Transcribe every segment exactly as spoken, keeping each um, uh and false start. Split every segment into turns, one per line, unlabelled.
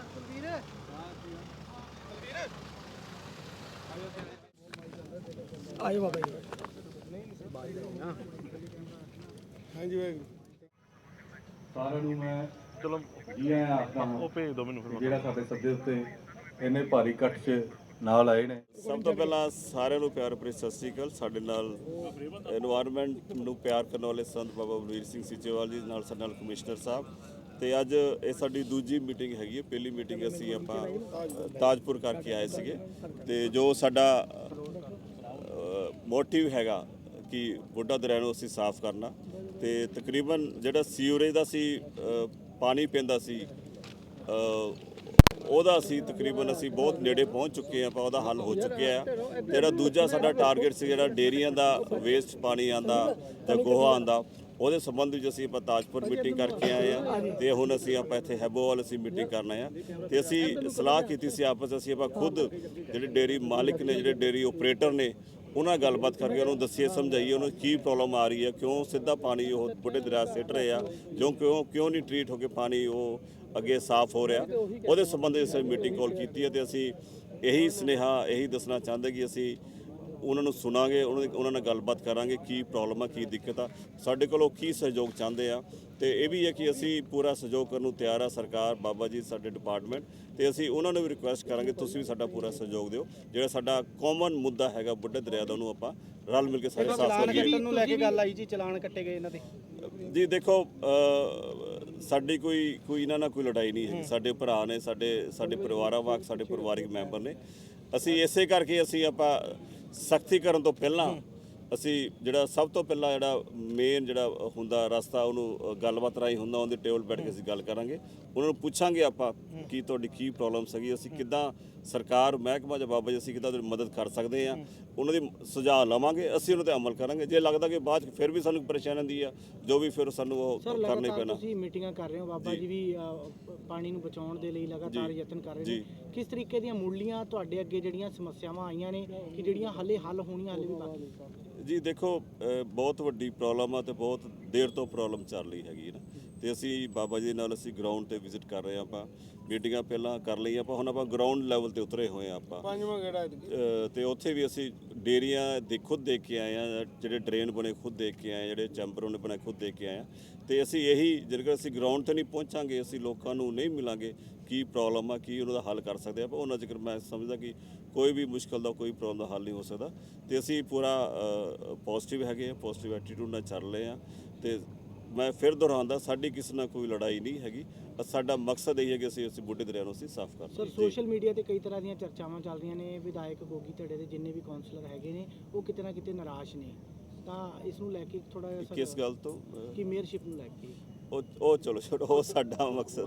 आयो बाबा जी। हाँ जी भाई
ਸਾਰਿਆਂ ਨੂੰ ਮੈਂ ਚਲੋ ਜੀ ਆਇਆਂ ਆਖਦਾ ਹਾਂ। ਉਹ ਭੇਜ ਦਿਓ ਮੈਨੂੰ ਫਿਰ ਜਿਹੜਾ ਸਾਡੇ ਸੱਦੇ ਉੱਤੇ ਇੰਨੇ ਭਾਰੀ ਇਕੱਠ 'ਚ ਨਾਲ ਆਏ ਨੇ।
ਸਭ ਤੋਂ ਪਹਿਲਾਂ ਸਾਰਿਆਂ ਨੂੰ ਪਿਆਰ ਭਰੀ ਸਤਿ ਸ੍ਰੀ ਅਕਾਲ। ਸਾਡੇ ਨਾਲ এনवायरमेंट ਨੂੰ ਪਿਆਰ ਕਰਨ ਵਾਲੇ ਸੰਤ ਬਾਬਾ ਬਲਵੀਰ ਸਿੰਘ ਸੀਚੇਵਾਲ ਜੀ ਨਾਲ ਸਾਡੇ ਨਾਲ ਕਮਿਸ਼ਨਰ ਸਾਹਿਬ ਤੇ ਅੱਜ ਇਹ ਸਾਡੀ ਦੂਜੀ ਮੀਟਿੰਗ ਹੈਗੀ ਹੈ। ਪਹਿਲੀ ਮੀਟਿੰਗ ਅਸੀਂ ਆਪਾਂ ਤਾਜਪੁਰ ਕਰਕੇ ਆਏ ਸੀਗੇ ਤੇ ਜੋ ਸਾਡਾ ਮੋਟਿਵ ਹੈਗਾ ਕਿ ਬੁੱਢਾ ਦਰਿਆ ਨੂੰ ਅਸੀਂ ਸਾਫ਼ ਕਰਨਾ ਤੇ ਤਕਰੀਬਨ ਜਿਹੜਾ ਸੀਵਰੇਜ ਦਾ ਸੀ ਪਾਣੀ ਪੈਂਦਾ ਸੀ ਉਹਦਾ ਅਸੀਂ ਤਕਰੀਬਨ ਅਸੀਂ ਬਹੁਤ ਨੇੜੇ ਪਹੁੰਚ ਚੁੱਕੇ ਹਾਂ। ਆਪਾਂ ਉਹਦਾ ਹੱਲ ਹੋ ਚੁੱਕਿਆ ਆ। ਜਿਹੜਾ ਦੂਜਾ ਸਾਡਾ ਟਾਰਗੇਟ ਸੀ ਜਿਹੜਾ ਡੇਅਰੀਆਂ ਦਾ ਵੇਸਟ ਪਾਣੀ ਆਂਦਾ ਜਾਂ ਗੋਹਾ ਆਂਦਾ ਉਹਦੇ ਸੰਬੰਧ ਵਿੱਚ ਅਸੀਂ ਆਪਾਂ ਤਾਜਪੁਰ ਮੀਟਿੰਗ ਕਰਕੇ ਆਏ ਆ ਤੇ ਹੁਣ ਅਸੀਂ ਆਪਾਂ ਇੱਥੇ ਹੈਬੋਵਾਲ ਅਸੀਂ ਮੀਟਿੰਗ ਕਰਨਾ ਆ ਤੇ ਅਸੀਂ ਸਲਾਹ ਕੀਤੀ ਸੀ ਆਪਸ ਅਸੀਂ ਆਪਾਂ ਖੁਦ ਜਿਹੜੇ ਡੇਅਰੀ ਮਾਲਿਕ ਨੇ ਜਿਹੜੇ ਡੇਅਰੀ ਆਪਰੇਟਰ ਨੇ ਉਹਨਾਂ ਗੱਲਬਾਤ ਕਰਕੇ ਉਹਨੂੰ ਦੱਸੀਏ ਸਮਝਾਈਏ ਉਹਨੂੰ ਕੀ ਪ੍ਰੋਬਲਮ ਆ ਰਹੀ ਹੈ, ਕਿਉਂ ਸਿੱਧਾ ਪਾਣੀ ਉਹ ਬੁੱਢੇ ਦਰਿਆ ਸਿੱਟ ਰਹੇ ਆ, ਜੋ ਕਿਉਂ ਕਿਉਂ ਨਹੀਂ ਟਰੀਟ ਹੋ ਕੇ ਪਾਣੀ ਉਹ ਅੱਗੇ ਸਾਫ਼ ਹੋ ਰਿਹਾ। ਉਹਦੇ ਸੰਬੰਧ ਵਿੱਚ ਅਸੀਂ ਮੀਟਿੰਗ ਕਾਲ ਕੀਤੀ ਹੈ ਤੇ ਅਸੀਂ ਇਹੀ ਸੁਨੇਹਾ ਇਹੀ ਦੱਸਣਾ ਚਾਹੁੰਦੇ ਕਿ ਅਸੀਂ ਉਹਨਾਂ ਨੂੰ ਸੁਣਾਂਗੇ, ਉਹਨਾਂ ਉਹਨਾਂ ਨਾਲ ਗੱਲਬਾਤ ਕਰਾਂਗੇ ਕੀ ਪ੍ਰੋਬਲਮ ਆ ਕੀ ਦਿੱਕਤ ਆ, ਸਾਡੇ ਕੋਲੋਂ ਕੀ ਸਹਿਯੋਗ ਚਾਹੁੰਦੇ ਆ ਤੇ ਇਹ ਵੀ ਹੈ ਕਿ ਅਸੀਂ ਪੂਰਾ ਸਹਿਯੋਗ ਕਰਨ ਨੂੰ ਤਿਆਰ ਆ। ਸਰਕਾਰ ਬਾਬਾ ਜੀ ਸਾਡੇ ਡਿਪਾਰਟਮੈਂਟ ਤੇ ਅਸੀਂ ਉਹਨਾਂ ਨੂੰ ਵੀ ਰਿਕੁਐਸਟ ਕਰਾਂਗੇ ਤੁਸੀਂ ਵੀ ਸਾਡਾ ਪੂਰਾ ਸਹਿਯੋਗ ਦਿਓ। ਜਿਹੜਾ ਸਾਡਾ ਕਾਮਨ ਮੁੱਦਾ ਹੈਗਾ ਬੁੱਢੇ ਦਰਿਆ ਦਾ ਉਹਨੂੰ ਆਪਾਂ ਰਲ ਮਿਲ ਕੇ ਸਾਰੇ ਸਾਫ਼ ਕਰੀਏ।
ਨੂੰ ਲੈ ਕੇ ਗੱਲ ਆਈ ਜੀ ਚਲਾਨ ਕੱਟੇ ਗਏ ਇਹਨਾਂ ਦੇ
ਜੀ ਦੇਖੋ ਸਾਡੀ ਕੋਈ ਕੋਈ ਇਹਨਾਂ ਨਾਲ ਕੋਈ ਲੜਾਈ ਨਹੀਂ ਹੈ। ਸਾਡੇ ਭਰਾ ਨੇ ਸਾਡੇ ਸਾਡੇ ਪਰਿਵਾਰਾਂ ਵਾਂਗ ਸਾਡੇ ਪਰਿਵਾਰਿਕ ਮੈਂਬਰ ਨੇ। ਅਸੀਂ ਇਸੇ ਕਰਕੇ ਅਸੀਂ ਆਪਾਂ ਸਖਤੀ ਕਰਨ ਤੋਂ ਪਹਿਲਾਂ ਅਸੀਂ ਜਿਹੜਾ ਸਭ ਤੋਂ ਪਹਿਲਾਂ ਜਿਹੜਾ ਮੇਨ ਜਿਹੜਾ ਹੁੰਦਾ ਰਸਤਾ ਉਹਨੂੰ ਗੱਲਬਾਤ ਰਾਹੀਂ ਹੁੰਦਾ ਉਹਦੇ ਟੇਬਲ ਬੈਠ ਕੇ ਅਸੀਂ ਗੱਲ ਕਰਾਂਗੇ। ਉਹਨਾਂ ਨੂੰ ਪੁੱਛਾਂਗੇ ਆਪਾਂ ਕੀ ਤੁਹਾਡੀ ਕੀ ਪ੍ਰੋਬਲਮ ਸੀਗੀ, ਅਸੀਂ ਕਿੱਦਾਂ ਸਰਕਾਰ ਮਹਿਕਮਾ ਜਾਂ ਬਾਬਾ ਜੀ ਅਸੀਂ ਕਿੱਦਾਂ ਤੁਹਾਡੀ ਮਦਦ ਕਰ ਸਕਦੇ ਹਾਂ, ਉਹਨਾਂ ਦੀ ਸੁਝਾਅ ਲਵਾਂਗੇ, ਅਸੀਂ ਉਹਨਾਂ 'ਤੇ ਅਮਲ ਕਰਾਂਗੇ। ਜੇ ਲੱਗਦਾ ਕਿ ਬਾਅਦ 'ਚ ਫਿਰ ਵੀ ਸਾਨੂੰ ਪਰੇਸ਼ਾਨੀ ਆਉਂਦੀ ਆ ਜੋ ਵੀ ਫਿਰ ਸਾਨੂੰ ਉਹ ਕਰਨਾ ਹੀ ਪੈਣਾ।
ਤੁਸੀਂ ਮੀਟਿੰਗਾਂ ਕਰ ਰਹੇ ਹੋ, ਬਾਬਾ ਜੀ ਵੀ ਪਾਣੀ ਨੂੰ ਬਚਾਉਣ ਦੇ ਲਈ ਲਗਾਤਾਰ ਯਤਨ ਕਰ ਰਹੇ ਨੇ। ਕਿਸ ਤਰੀਕੇ ਦੀਆਂ ਮੁੱਢਲੀਆਂ ਤੁਹਾਡੇ ਅੱਗੇ ਜਿਹੜੀਆਂ ਸਮੱਸਿਆਵਾਂ ਆਈਆਂ ਨੇ ਕਿ ਜਿਹੜੀਆਂ ਹਾਲੇ ਹੱਲ ਹੋਣੀਆਂ ਹਾਲੇ ਵੀ ਬਾਕੀ?
ਜੀ ਦੇਖੋ ਬਹੁਤ ਵੱਡੀ ਪ੍ਰੋਬਲਮ ਆ ਤੇ ਬਹੁਤ ਦੇਰ ਤੋਂ ਪ੍ਰੋਬਲਮ ਚੱਲ ਰਹੀ ਹੈਗੀ ਨਾ ਤੇ ਅਸੀਂ ਬਾਬਾ ਜੀ ਨਾਲ ਅਸੀਂ ਗਰਾਊਂਡ ਤੇ ਵਿਜ਼ਿਟ ਕਰ ਰਹੇ ਹਾਂ। ਆਪਾਂ ਮੀਟਿੰਗਾਂ ਪਹਿਲਾਂ ਕਰ ਲਈਆਂ, ਆਪਾਂ ਹੁਣ ਆਪਾਂ ਗਰਾਊਂਡ ਲੈਵਲ ਤੇ ਉਤਰੇ ਹੋਏ ਆ ਆਪਾਂ ਪੰਜਵਾਂ ਗੇੜਾ ਤੇ ਉੱਥੇ ਵੀ ਅਸੀਂ ਡੇਅਰੀਆਂ ਦੇ ਖੁਦ ਦੇਖ ਕੇ ਆਏ ਆ, ਜਿਹੜੇ ਡਰੇਨ ਬਣੇ ਖੁਦ ਦੇਖ ਕੇ ਆਏ, ਜਿਹੜੇ ਚੈਂਬਰ ਉਹਨੇ ਬਣੇ ਖੁਦ ਦੇਖ ਕੇ ਆਏ ਆ ਤੇ ਅਸੀਂ ਇਹੀ ਜੇਕਰ ਅਸੀਂ ਗਰਾਊਂਡ ਤੇ ਨਹੀਂ ਪਹੁੰਚਾਂਗੇ ਅਸੀਂ ਲੋਕਾਂ ਨੂੰ ਨਹੀਂ ਮਿਲਾਂਗੇ ਕੀ ਪ੍ਰੋਬਲਮ ਆ ਕੀ ਉਹਨਾਂ ਦਾ ਹੱਲ ਕਰ ਸਕਦੇ ਆਪਾਂ ਉਹਨਾਂ ਜ਼ਿਕਰ ਮੈਂ ਸਮਝਦਾ ਕਿ ਕੋਈ ਵੀ ਮੁਸ਼ਕਲ ਦਾ ਕੋਈ ਪ੍ਰੋਬਲਮ ਦਾ ਹੱਲ ਨਹੀਂ ਹੋ ਸਕਦਾ ਤੇ ਅਸੀਂ ਪੂਰਾ ਪੋਜ਼ਿਟਿਵ ਹੈਗੇ ਆ, ਪੋਜ਼ਿਟਿਵ ਐਟੀਟਿਊਡ ਨਾਲ ਚੱਲ ਰਹੇ ਆ ਤੇ ਮੈਂ ਫਿਰ ਦੁਹਰਾਉਂਦਾ ਸਾਡੀ ਕਿਸੇ ਨਾਲ ਕੋਈ ਲੜਾਈ ਨਹੀਂ ਹੈਗੀ। ਸਾਡਾ ਮਕਸਦ ਇਹ ਹੈ ਕਿ ਅਸੀਂ ਅਸੀਂ ਬੁੱਢੇ ਦਰਿਆ ਨੂੰ ਅਸੀਂ ਸਾਫ਼ ਕਰਨਾ।
ਸਰ ਸੋਸ਼ਲ ਮੀਡੀਆ ਤੇ ਕਈ ਤਰ੍ਹਾਂ ਦੀਆਂ ਚਰਚਾਵਾਂ ਚੱਲ ਰਹੀਆਂ ਨੇ, ਵਿਧਾਇਕ ਗੋਗੀ ਧੜੇ ਦੇ ਜਿੰਨੇ ਵੀ ਕਾਉਂਸਲਰ ਹੈਗੇ ਨੇ ਉਹ ਕਿਤੇ ਨਾ ਕਿਤੇ ਨਿਰਾਸ਼ ਨੇ, ਤਾਂ ਇਸ ਨੂੰ ਲੈ ਕੇ ਥੋੜਾ ਜਿਹਾ
ਕਿਸ ਗੱਲ ਤੋਂ
ਕਿ ਮੇਅਰਸ਼ਿਪ ਨੂੰ ਲੈ ਕੇ
ਉਹ ਉਹ ਚਲੋ ਛੋੜੋ, ਉਹ ਸਾਡਾ ਮਕਸਦ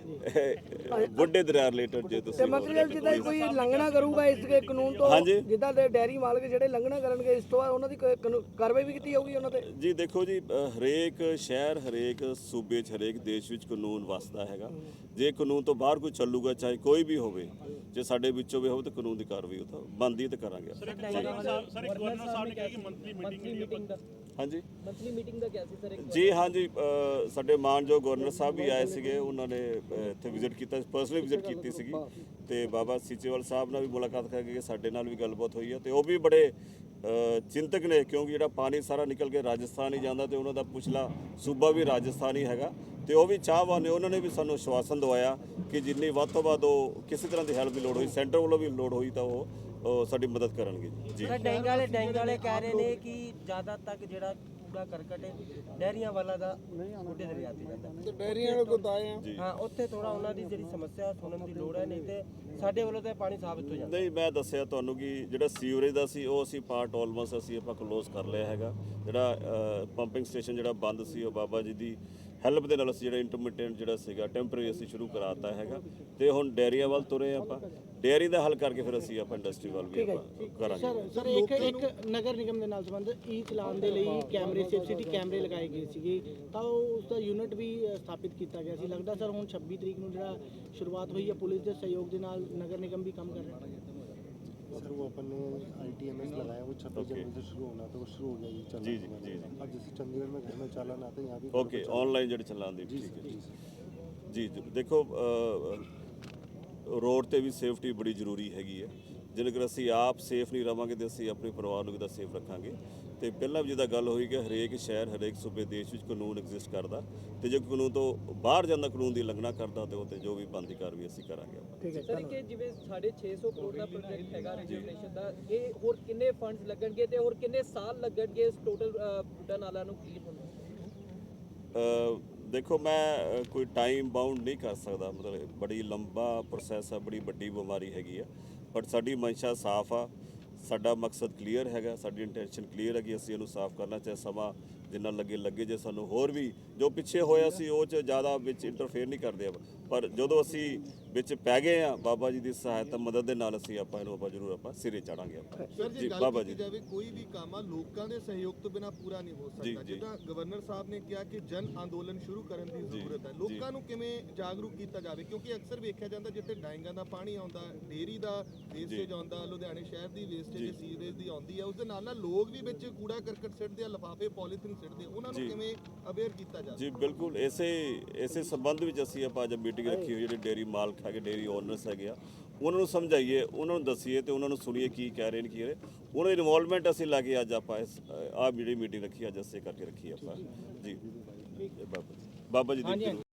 ਬੁੱਢੇ ਦਰਿਆ ਰਿਲੇਟਡ ਜੇ ਤੁਸੀਂ
ਮਤਲਬ ਜਿੱਦਾਂ ਕੋਈ ਲੰਘਣਾ ਕਰੂਗਾ ਇਸ ਦੇ ਕਾਨੂੰਨ ਤੋਂ, ਜਿੱਦਾਂ ਦੇ ਡੈਰੀ ਮਾਲਕ ਜਿਹੜੇ ਲੰਘਣਾ ਕਰਨਗੇ ਇਸ ਤੋਂ ਉਹਨਾਂ ਦੀ ਕਾਰਵਾਈ ਵੀ ਕੀਤੀ ਜਾਊਗੀ ਉਹਨਾਂ ਤੇ?
ਜੀ ਦੇਖੋ ਜੀ ਹਰੇਕ ਸ਼ਹਿਰ ਹਰੇਕ ਸੂਬੇ 'ਚ ਹਰੇਕ ਦੇਸ਼ ਵਿੱਚ ਕਾਨੂੰਨ ਵਸਦਾ ਹੈਗਾ। ਜੇ ਕਾਨੂੰਨ ਤੋਂ ਬਾਹਰ ਕੋਈ ਚੱਲੂਗਾ ਚਾਹੇ ਕੋਈ ਵੀ ਹੋਵੇ, ਜੇ ਸਾਡੇ ਵਿੱਚੋਂ ਵੀ ਹੋਵੇ ਤਾਂ ਕਾਨੂੰਨ ਦੀ ਕਾਰਵਾਈ ਉਹ ਤਾਂ ਬਣਦੀ ਤੇ ਕਰਾਂਗੇ।
ਸਰ ਇੱਕ ਗਵਰਨਰ ਸਾਹਿਬ ਨੇ ਕਿਹਾ ਕਿ ਮੰਥਲੀ ਮੀਟਿੰਗ ਦਾ
ਹਾਂਜੀ
ਮੰਥਲੀ ਮੀਟਿੰਗ ਦਾ ਕਿਹਾ ਸੀ ਸਰ?
ਜੀ ਹਾਂਜੀ ਸਾਡੇ ਮਾਨਯੋਗ ਗਵਰਨਰ ਸਾਹਿਬ ਵੀ ਆਏ ਸੀਗੇ, ਉਹਨਾਂ ਨੇ ਇੱਥੇ ਵਿਜ਼ਿਟ ਕੀਤਾ, ਪਰਸਨਲੀ ਵਿਜ਼ਿਟ ਕੀਤੀ ਸੀਗੀ ਤੇ ਬਾਬਾ ਸੀਚੇਵਾਲ ਸਾਹਿਬ ਨਾਲ ਵੀ ਮੁਲਾਕਾਤ ਕਰਕੇ ਸਾਡੇ ਨਾਲ ਵੀ ਗੱਲਬਾਤ ਹੋਈ ਹੈ ਤੇ ਉਹ ਵੀ ਬੜੇ ਚਿੰਤਕ ਨੇ ਕਿਉਂਕਿ ਜਿਹੜਾ ਪਾਣੀ ਸਾਰਾ ਨਿਕਲ ਕੇ ਰਾਜਸਥਾਨ ਹੀ ਜਾਂਦਾ ਤੇ ਉਹਨਾਂ ਦਾ ਪਿਛਲਾ ਸੂਬਾ ਵੀ ਰਾਜਸਥਾਨ ਹੀ ਹੈਗਾ ਤੇ ਉਹ ਵੀ ਚਾਹਵਾਨ ਨੇ। ਉਹਨਾਂ ਨੇ ਵੀ ਸਾਨੂੰ ਆਸ਼ਵਾਸਨ ਦਵਾਇਆ ਕਿ ਜਿੰਨੀ ਵੱਧ ਤੋਂ ਵੱਧ ਉਹ ਕਿਸੇ ਤਰ੍ਹਾਂ ਦੀ ਹੈਲਪ ਦੀ ਲੋੜ ਹੋਈ, ਸੈਂਟਰ ਵੱਲੋਂ ਵੀ ਲੋੜ ਹੋਈ ਤਾਂ ਉਹ ਸਾਡੀ ਮਦਦ ਕਰਨਗੇ ਜੀ।
ਸਰ ਡੈਂਗ ਵਾਲੇ ਡੈਂਗ ਵਾਲੇ ਕਹਿ ਰਹੇ ਨੇ ਕਿ ਜ਼ਿਆਦਾ ਤੱਕ ਜਿਹੜਾ ਕੂੜਾ ਕਰਕਟ ਡੈਰੀਆਂ ਵਾਲਾ ਦਾ ਬੁੱਢੇ ਦਰਿਆ ਤੇ ਜਾਂਦਾ ਤੇ ਡੈਰੀਆਂ ਨੂੰ ਗੁਦਾਏ ਆ ਹਾਂ ਉੱਥੇ ਥੋੜਾ ਉਹਨਾਂ ਦੀ ਜਿਹੜੀ ਸਮੱਸਿਆ ਸੁਣਨ ਦੀ ਲੋੜ ਹੈ, ਨਹੀਂ ਤੇ ਸਾਡੇ ਵੱਲੋਂ ਤਾਂ ਪਾਣੀ ਸਾਬਤ ਹੋ ਜਾਂਦਾ।
ਨਹੀਂ ਮੈਂ ਦੱਸਿਆ ਤੁਹਾਨੂੰ ਕਿ ਜਿਹੜਾ ਸੀਵਰੇਜ ਦਾ ਸੀ ਉਹ ਅਸੀਂ ਪਾਰਟ ਆਲਮੋਸਟ ਅਸੀਂ ਆਪਾਂ ਕਲੋਜ਼ ਕਰ ਲਿਆ ਹੈਗਾ। ਜਿਹੜਾ ਪੰਪਿੰਗ ਸਟੇਸ਼ਨ ਜਿਹੜਾ ਬੰਦ ਸੀ ਉਹ ਬਾਬਾ ਜੀ ਦੀ ਹੈਲਪ ਦੇ ਨਾਲ ਅਸੀਂ ਜਿਹੜਾ ਇੰਟਰਮੀਡੀਏਟ ਜਿਹੜਾ ਸੀਗਾ ਟੈਂਪਰੇਰੀ ਅਸੀਂ ਸ਼ੁਰੂ ਕਰਾਤਾ ਹੈਗਾ ਤੇ ਹੁਣ ਡੇਅਰੀਆਂ ਵੱਲ ਤੁਰੇ ਆਪਾਂ, ਡੇਅਰੀ ਦਾ ਹੱਲ ਕਰਕੇ ਫਿਰ ਅਸੀਂ ਆਪਾਂ ਇੰਡਸਟਰੀ ਵੱਲ ਵੀ ਆਪਾਂ ਕਰਾਂਗੇ।
ਸਰ ਸਰ ਇੱਕ ਇੱਕ ਨਗਰ ਨਿਗਮ ਦੇ ਨਾਲ ਸੰਬੰਧ ਈ ਚਲਾਨ ਦੇ ਲਈ ਕੈਮਰੇ ਸੇਫ ਸਿਟੀ ਕੈਮਰੇ ਲਗਾਏ ਗਏ ਸੀਗੇ ਤਾਂ ਉਸ ਦਾ ਯੂਨਿਟ ਵੀ ਸਥਾਪਿਤ ਕੀਤਾ ਗਿਆ ਸੀ। ਲੱਗਦਾ ਸਰ ਹੁਣ ਛੱਬੀ ਤਰੀਕ ਨੂੰ ਜਿਹੜਾ ਸ਼ੁਰੂਆਤ ਹੋਈ ਹੈ ਪੁਲਿਸ ਦੇ ਸਹਿਯੋਗ ਦੇ ਨਾਲ ਨਗਰ ਨਿਗਮ ਵੀ ਕੰਮ ਕਰ ਰਿਹਾ ਹੈ।
सर वो अपन ने आई टी एम एस लगाया, वो छब्बीस जनवरी से शुरू होना तो वो शुरू हो जाएगी चलना।
जी जी जी
अब जैसे चंडीगढ़ में घर में चालान आता है यहाँ भी
ओके ऑनलाइन ਜਿਹੜੇ ਚਲਾਉਂਦੇ
जी
ਠੀਕ ਹੈ
जी
ਜੀ। ਜੀ ਦੇਖੋ ਰੋਡ ਤੇ ਵੀ ਸੇਫਟੀ ਬੜੀ ਜ਼ਰੂਰੀ ਹੈਗੀ ਹੈ। ਜੇਕਰ ਅਸੀਂ ਆਪ ਸੇਫ ਨਹੀਂ ਰਵਾਂਗੇ ਤੇ ਅਸੀਂ ਆਪਣੇ ਪਰਿਵਾਰ ਨੂੰ ਕਿੱਦਾਂ ਸੇਫ ਰੱਖਾਂਗੇ। ਤੇ ਪਹਿਲਾਂ ਵੀ ਜਿਹਦਾ ਗੱਲ ਹੋਈ ਕਿ ਹਰੇਕ ਸ਼ਹਿਰ ਹਰੇਕ ਸੂਬੇ ਦੇਸ਼ ਵਿੱਚ ਕਾਨੂੰਨ ਐਗਜ਼ਿਸਟ ਕਰਦਾ, ਤੇ ਜੇ ਕਾਨੂੰਨ ਤੋਂ ਬਾਹਰ ਜਾਂਦਾ, ਕਾਨੂੰਨ ਦੀ ਉਲੰਘਣਾ ਕਰਦਾ, ਤੇ ਉਹ ਤੇ ਜੋ ਵੀ ਬਣਦੀ ਕਾਰਵਾਈ ਅਸੀਂ ਕਰਾਂਗੇ।
ਸਰ ਕਿ ਜਿਵੇਂ ਸਾਢੇ ਛੇ ਸੌ ਕਰੋੜ ਦਾ ਪ੍ਰੋਜੈਕਟ ਹੈਗਾ ਰੈਜੂਲੇਸ਼ਨ ਦਾ, ਇਹ ਹੋਰ ਕਿੰਨੇ ਫੰਡਸ ਲੱਗਣਗੇ ਤੇ ਹੋਰ ਕਿੰਨੇ ਸਾਲ ਲੱਗਣਗੇ ਇਸ ਟੋਟਲ ਬੁੱਢਾ ਨਾਲਾ ਨੂੰ ਕਲੀਅਰ ਹੋਣ ਨੂੰ?
ਦੇਖੋ ਮੈਂ ਅ, ਕੋਈ ਟਾਈਮ ਬਾਉਂਡ ਨਹੀਂ ਕਰ ਸਕਦਾ, ਮਤਲਬ ਬੜੀ ਲੰਬਾ ਪ੍ਰੋਸੈਸ ਆ, ਬੜੀ ਵੱਡੀ ਬਿਮਾਰੀ ਹੈਗੀ ਆ, ਬਟ ਸਾਡੀ ਮਨਸ਼ਾ ਸਾਫ਼ ਆ, ਸਾਡਾ ਮਕਸਦ ਕਲੀਅਰ ਹੈਗਾ, ਸਾਡੀ ਇੰਟੈਂਸ਼ਨ ਕਲੀਅਰ ਹੈ ਕਿ ਅਸੀਂ ਇਹਨੂੰ ਸਾਫ਼ ਕਰਨਾ, ਚਾਹੇ ਸਮਾਂ ਜਿੰਨਾ ਲੱਗੇ ਲੱਗੇ। ਜੇ ਸਾਨੂੰ ਹੋਰ ਵੀ ਜੋ ਪਿੱਛੇ ਹੋਇਆ ਸੀ ਉਹ 'ਚ ਜ਼ਿਆਦਾ ਵਿੱਚ ਇੰਟਰਫੇਅਰ ਨਹੀਂ ਕਰਦੇ, ਪਰ ਜਦੋਂ ਅਸੀਂ ਵਿੱਚ ਪੈ ਗਏ ਆ ਬਾਬਾ ਜੀ ਦੀ ਸਹਾਇਤਾ ਮਦਦ ਦੇ ਨਾਲ ਅਸੀਂ ਆਪਾਂ ਇਹਨੂੰ ਆਪਾਂ ਜ਼ਰੂਰ ਆਪਾਂ ਸਿਰੇ ਚਾੜਾਂਗੇ ਆਪਾਂ।
ਸਰ ਜੀ ਗੱਲ
ਬਾਬਾ
ਕੀਤੀ ਜਾਵੇ ਕੋਈ ਵੀ ਕੰਮ ਆ ਲੋਕਾਂ ਦੇ ਸਹਿਯੋਗ ਤੋਂ ਬਿਨਾ ਪੂਰਾ ਨਹੀਂ ਹੋ
ਜੀ,
ਸਕਦਾ।
ਜੀ।
ਜਿੱਦਾਂ ਗਵਰਨਰ ਸਾਹਿਬ ਨੇ ਕਿਹਾ ਕਿ ਜਨ ਅੰਦੋਲਨ ਸ਼ੁਰੂ ਕਰਨ ਦੀ ਜ਼ਰੂਰਤ ਹੈ, ਲੋਕਾਂ ਨੂੰ ਕਿਵੇਂ ਜਾਗਰੂਕ ਕੀਤਾ ਜਾਵੇ, ਕਿਉਂਕਿ ਅਕਸਰ ਵੇਖਿਆ ਜਾਂਦਾ ਜਿੱਥੇ ਡਾਇੰਗਾਂ ਦਾ ਪਾਣੀ ਆਉਂਦਾ, ਡੇਅਰੀ ਦਾ ਵੇਸਟੇਜ ਆਉਂਦਾ, ਲੁਧਿਆਣੇ ਸ਼ਹਿਰ ਦੀ ਵੇਸਟੇਜ ਸੀਵਰੇਜ ਦੀ ਆਉਂਦੀ ਹੈ, ਉਸ ਦੇ ਨਾਲ ਨਾਲ ਲੋਕ ਵੀ ਵਿੱਚ ਕੂੜਾ ਕਰਕਟ ਸਿੱਟਦੇ ਆ, ਲਿਫਾਫੇ ਪੋਲੀਥੀਨ ਸਿੱਟਦੇ, ਉਹਨਾਂ ਨੂੰ ਕਿਵੇਂ ਅਵੇਅਰ ਕੀਤਾ ਜਾਵੇ?
ਜੀ ਬਿਲਕੁਲ, ਇਸੇ ਇਸੇ ਸੰਬੰਧ ਵਿੱਚ ਅਸੀਂ ਆਪਾਂ ਅੱਜ ਮੀਟਿੰਗ ਰੱਖੀ ਹੋਈ, ਜਿਹੜੇ ਡੇਅਰੀ ਮਾਲਕ ਹੈਗੇ, ਡੇਅਰੀ ਓਨਰਸ ਹੈਗੇ ਆ, ਉਹਨਾਂ ਨੂੰ ਸਮਝਾਈਏ, ਉਹਨਾਂ ਨੂੰ ਦੱਸੀਏ ਤੇ ਉਹਨਾਂ ਨੂੰ ਸੁਣੀਏ ਕੀ ਕਹਿ ਰਹੇ ਨੇ, ਕੀ ਰਹੇ ਉਹਨਾਂ ਦੀ ਇਨਵੋਲਵਮੈਂਟ ਅਸੀਂ ਲਾ ਕੇ ਅੱਜ ਆਪਾਂ ਇਸ ਆਹ ਜਿਹੜੀ ਮੀਟਿੰਗ ਰੱਖੀ ਅੱਜ ਅਸੀਂ ਕਰਕੇ ਰੱਖੀ ਆਪਾਂ ਜੀ। ਬਾਬਾ ਜੀ ਬਾਬਾ ਜੀ ਦੀ